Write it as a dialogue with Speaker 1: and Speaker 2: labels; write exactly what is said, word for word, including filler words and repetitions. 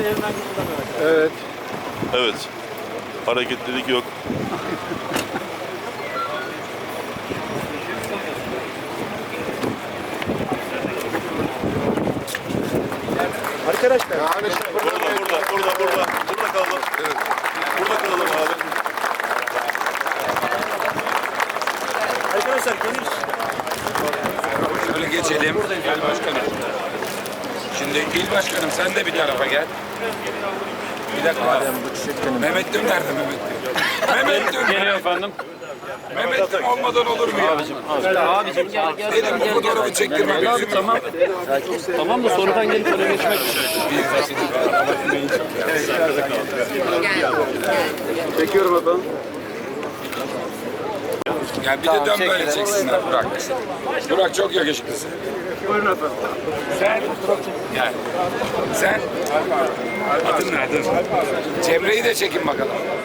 Speaker 1: yerinden kıpırdamıyor.
Speaker 2: Evet.
Speaker 3: Evet. Hareketlilik yok.
Speaker 1: Arkadaşlar.
Speaker 2: Yani
Speaker 3: Burada, burada, burada, burada. Burada kalalım. Evet. Burada kalalım abi.
Speaker 1: Arkadaşlar geniş.
Speaker 4: Şöyle geçelim. Gel başkanım. Şimdi il başkanım sen de bir tarafa gel. Bir dakika. Mehmet Dün nerede Mehmet Dün? Mehmet Dün.
Speaker 5: Geliyor efendim.
Speaker 4: Mehmet Dün olmadan olur mu ya?
Speaker 5: Abicim gel gel.
Speaker 4: Benim bu fotoğrafı çektirmem lazım.
Speaker 5: Tamam. Tamam da sonradan gelip öyle geçmek.
Speaker 2: çekiyorum efendim.
Speaker 4: Ya bir de dön böyle çeksinler Burak. Burak çok yakışıklısın.
Speaker 2: Buyurun efendim.
Speaker 4: Sen gel. Sen adın ne adın? Cemre'yi de çekin bakalım.